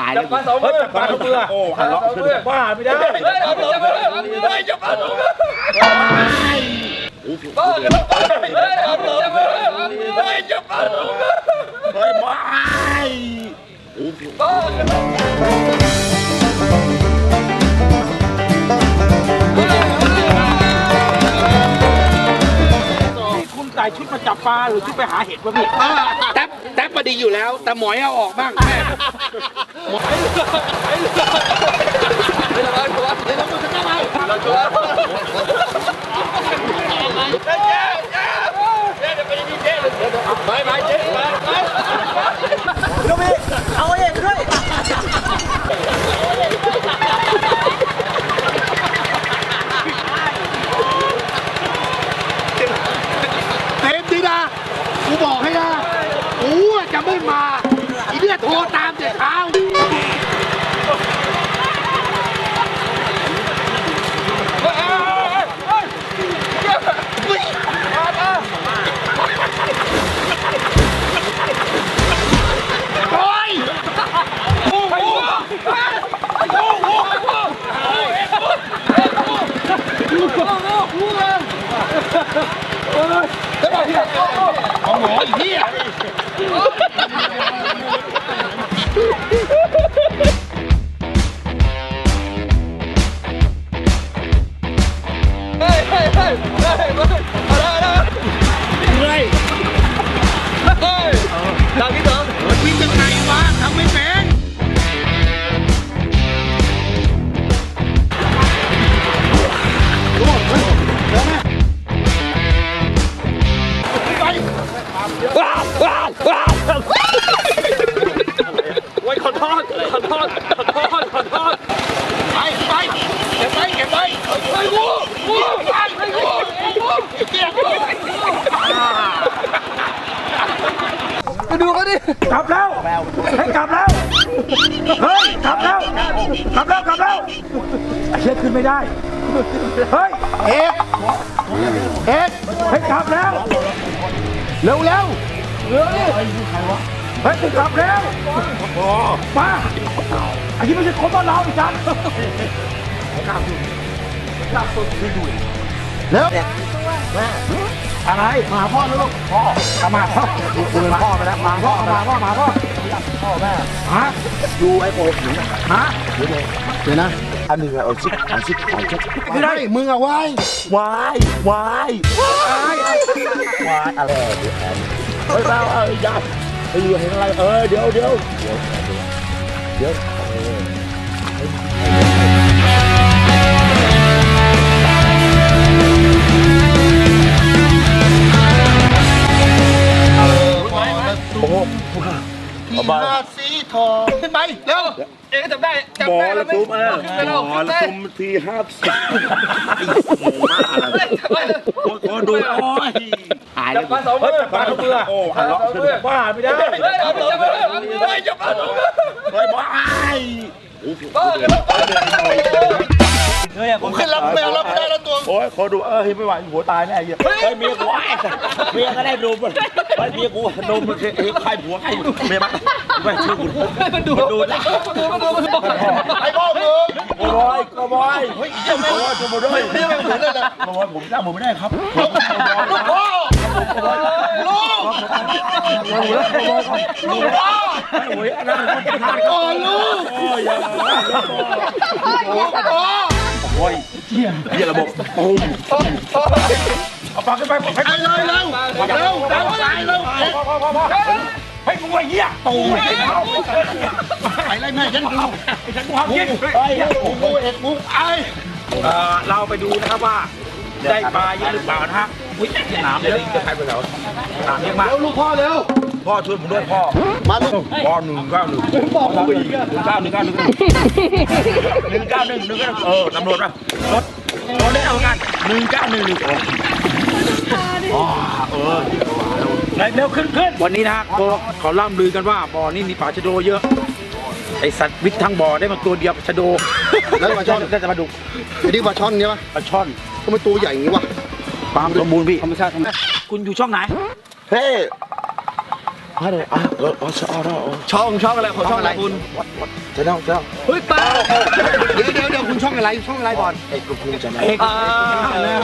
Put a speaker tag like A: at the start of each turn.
A: าย
B: จับปลาสองมือปลาสองมือโอ้หันล็อกบ้าไม่ได้จับมือจับปลาสองมือบ้าจับปลาสองมือจับปลาสองมือจับปลาสองมือเฮ้ยบ้าบ้าคุณใส่ชุดมาจับปลาหรือชุดไปหาเห็ดวะพี่
A: แท็บมาดีอยู่แล้วแต่หมอยเอาออกบ้างแม่หมอย
B: ลูกพี่เอาเองด้วย
A: เต็มดีนะกูบอกให้นะกูจะไม่มาอีเนี่ยโทรตามแต่เช้าเอาหมออีกที่อ่ะ
B: ทางที่สอง
A: วิ่งยังไงวะทำไม่เป็น
B: โอ้ยขอโทษ
A: ไปเก็บไปไปงู
B: ไปดูเขาดิกลับแล้วให้กลับแล้วเฮ้ยกลับแล้วไอ้เชือกขึ้นไม่ได้เฮ้ย
A: เอ็ด
B: ให้กลับแล้ว
A: เร็ว
B: ดิเฮ้ยกลับแล้วมาอันนี้ไม่ใช่คนบ้านเราอีกจัง
A: เร็ว
B: อะไรมาพ่อนะลูกพ่อมาพ่อคุณพ่อไปแล้วมาพ่อแม่ฮะ
A: ดูไอ้โป๊ะ
B: ฮะ
A: เดี๋ยวนะอันหนึ่งเอาชิคไม่ได้มึงอะวายวายอะไรเฮ้ยเปล่าอย่าเห็นอะไรเดี๋ยวโอ้โหที่หน้าสีทองขึ้นไปเร็ว
B: เอ๊ะจำได้
C: บอลละซุ้มที50ขอดูโอ้ย
A: หาย
B: จับปลาสองมือปลาสองมือโอ้หันล็อกบ้าไม่ได้จับปลาสองมือ
C: เฮ้ยบ้า
A: ผมขึ้นรับแมวรับได้แล้วตัว
C: โอ้ยขอดูเฮ้ยไม่ไหวหัวตายแน่เหี้ยเฮ้ยเมียกูเมียก็ได้ดูมันเฮ้ยเมียกูนมมันใครผัวใครเมียมันไม่ชื่อกูมันดูนะ
A: ไอ้พ่อมึง
C: ก็บอยเฮ้ยจะมาด้วย
A: นี่มันเหมือนเลยนะ
C: ผมจ้างผมไม่ได้ครับ
A: ลูกพ่อลูกพ่อ
C: โอ้ยอันนั้นมันเป็นทาง
A: ลูก
C: โอ้ยเหี้ยระบบปุ้มเอาปากขึ้นไป
A: ไปเลยเร็ว
B: ให้กูไอ้เหี้ยตู
A: ไปไล่แม่ฉันกู
B: ห้ามกินเราไปดูนะครับว่าได้ปลาเยอะหรือเปล่านะฮะอุ้ยหนามเลยจะใครไปแล้วหนามเยอะมาก
A: ลูกพ่อเร็ว
C: พ่อช่วยผมด้วยพ่อ
A: มาลูก
C: พ่อ191บอกผมอีก191ตำรวจป่ะรถได้เอากัน191
B: เร็วขึ้นวันนี้นะเขาล่ำลือกันว่าบ่อนี้มีปลาชะโดเยอะไอสัตว์วิทย์ทั้งบ่อได้มาตัวเดียวชะโด
A: แล้วปลาช่อน
B: ได้แต่ปลาดุก
A: ไอ้นี่ปลาช่อนใช่ปะ
B: ปลาช่อน
A: ทำไมตัวใหญ่อย่างนี้วะ
B: ความสมบูรณ์พี่ธรรมชาติคุณอยู่ช่องไหน
A: เฮ้
D: ช่องอะไรของช่องอะไรคุณ
B: จะต้อง
D: เฮ้ยป้า
A: เดี๋ยวคุณช่องอะไรก่อน
B: ไอ้กูจะไหน
D: อ่า